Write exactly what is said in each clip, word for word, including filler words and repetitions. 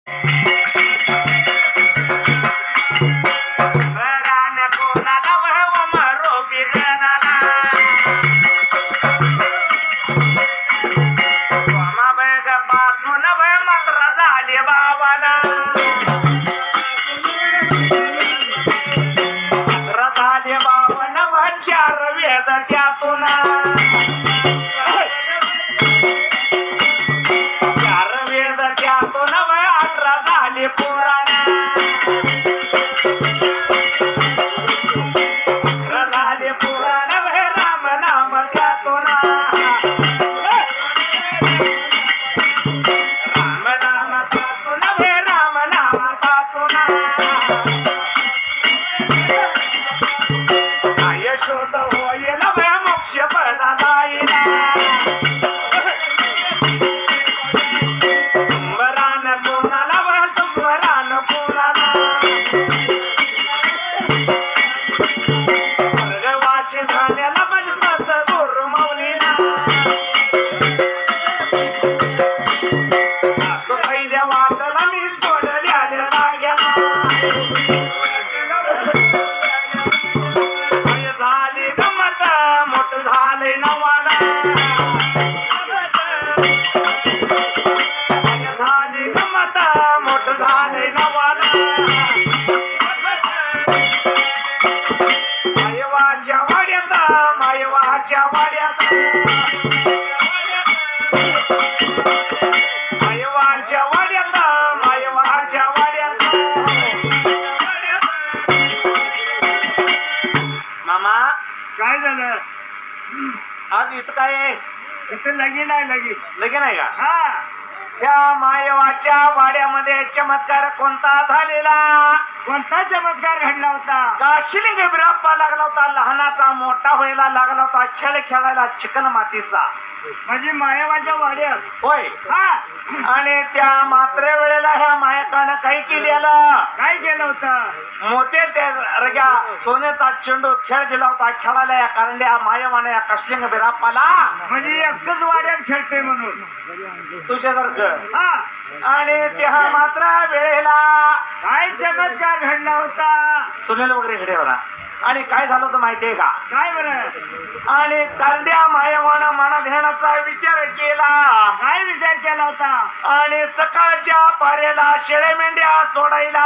आज इथं काय इथं लगीन आहे लगीन लगीन आहे का? हा. त्या मायवाच्या वाड्यामध्ये चमत्कार कोणता झालेला? कोणता चमत्कार घडला होता? काशिलिंग बिराप्पा लागला होता, लहानाचा मोठा व्हायला लागला होता, खेळ खेळायला चिकन मातीचा. म्हणजे मायावाच्या वाड्यात होय. हा. आणि त्या मात्रे वेळेला ह्या मायकानं काही केलेलं? काय केलं होतं? मोठे त्या रग्या सोन्याचा चेंडू खेळ दिला होता खेळायला या कारंड्या मायवाने या काशिलिंग बिराप्पाला. म्हणजे एकच वाड्यात खेळते म्हणून तुझ्यासारखं. हा. आणि त्या मात्र वेळेला काय चमत्कार घडला होता? सुनेल वगैरे घडे होता. आणि काय झालं होतं माहितीये का? काय बरं? आणि कारंड्या मायवानं मनात घेण्याचा विचार केला. काय विचार केला होता? आणि सकाळच्या पारेला शेळे मेंढ्या सोडायला.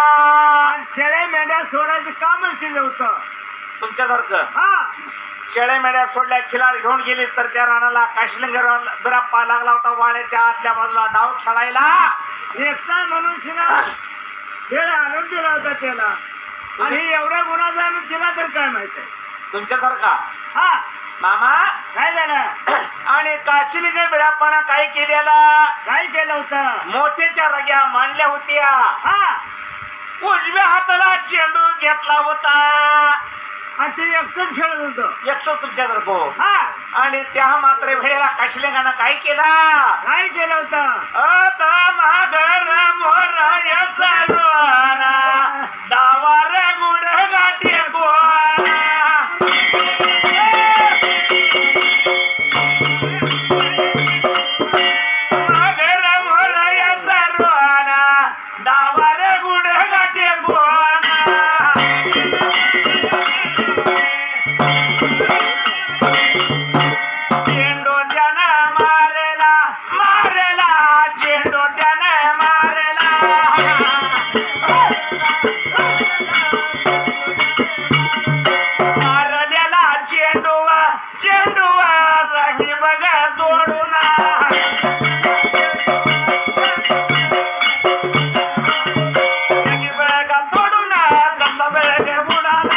शेळे मेंढ्या सोडायचं कामच केलं होतं तुमच्यासारखं. हा. शेळे मेंढ्या सोडल्या, खिलार घेऊन गेली तर त्या रानाला काशिलिंग बिराप्पा लागला होता वाड्याच्या आतल्या बाजूला डाव खेळायला. एकटा मनुष्यना खेळ आणून दिला होता त्याला. आणि एवढ्या गुन्हा आणून दिला तर काय माहित आहे तुमच्यासारखा. हा. मामा काय झालं? आणि काशिलिंग बिराप्पानं काय केलेलं? काय केलं होतं? मोठ्याच्या रग्या मांडल्या होत्या. हा. उजव्या हाताला चेंडू घेतला होता आणि ते एकटंच खेळत होतं. एकटं तुमच्यासारखं. हा. आणि त्या मात्र वेळेला काशिलिंगानं काय केला? काय केलं होतं? अत मागर मोराय सर्वाना डावार गुड गाठी गोहारा. मागर मोराय सर्वाना डावार गुड गाठी गोहारा. चेंडू त्यानं मारला मारला चेंडू त्यानं मारला. मारलेला चेंडू चेंडू राही बघ जोडून. बघा जोडून कसा बेग बुडाला.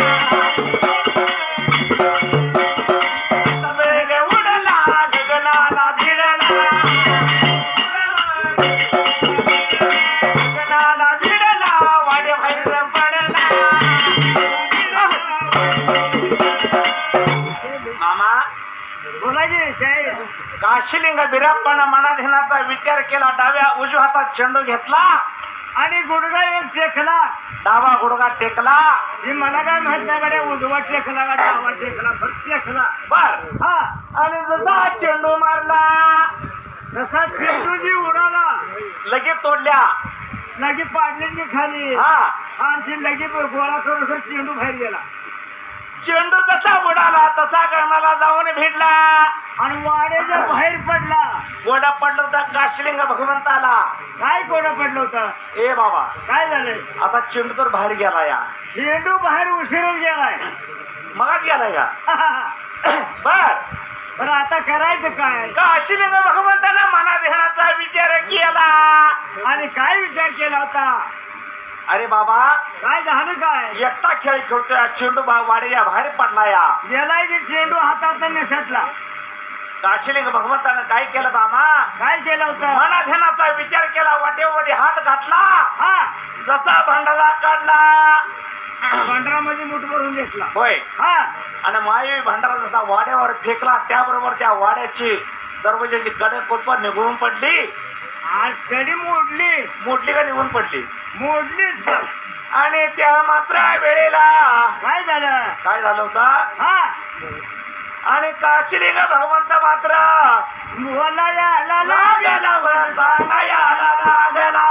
काशिलिंग बिराप्पानं मनात घेण्याचा विचार केला. डाव्या उजव्या हातात चेंडू घेतला आणि गुडघा एक टेकला. डावा गुडघा टेकला. ही मला काय माहित नाही गाड्या उजवा टेकला का डावा टेकला फक्त टेकला. बर. हा. आणि जसा चेंडू मारला तसा चेंडू जी उडाला लगेच तोडल्या. लगी पाडली की खाली हा आणखी लगी गोळा करून सर चेंडू बाहेर गेला चेंडू जसा उडाला तसा गगनाला जाऊन भिडला आणि वाड्याच्या बाहेर पडला. गोडा पडला होता काशीलिंग भगवंताला. काय कोणा पडलं होतं? ए बाबा काय झालंय? आता चेंडू तर बाहेर गेला या चेंडू बाहेर उशिरच गेलाय. मगाच गेला या बर पण आता करायचं काय? काशीलिंग भगवंताला मना ध्यानाचा विचार केला. आणि काय विचार केला होता? अरे बाबा काय झालं काय? एकटा खेळ खेळतोय चेंडू बा- वाड्याच्या बाहेर पडला या गेलाय की चेंडू हातात निसटला. काशीलिंग भगवंतानं काय केलं बाबा? काय केलं होतं? मना ध्यानाचा विचार केला वाटेमध्ये हात घातला हा जसा भांडारा काढला भांडरामध्ये मूठ भरून घेतला. होय हा आणि मायवी भांडारा जसा वाड्यावर फेकला त्याबरोबर त्या वाड्याची दरवाजाची कडक कुलप निघून पडली. आज कडी मोडली. मोडली का निघून पडली? मोडलीच. आणि त्या मात्र वेळेला काय झालं? काय झालं होतं? हा आणि काशीलिंग भगवंत मात्र बोला या ला ला लागला बरं सांगायला लागला.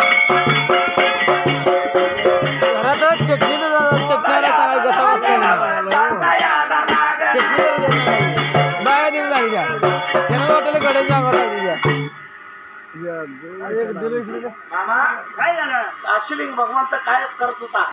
घरात चटणी चटण्याला सांगाय कसा सांगायला लागला. चटणी बाया देऊन जायच्या त्यांना वाटेल गड्याच्या अंगावर लागली मामा काय झालं? काशीलिंग भगवंत काय करत होता?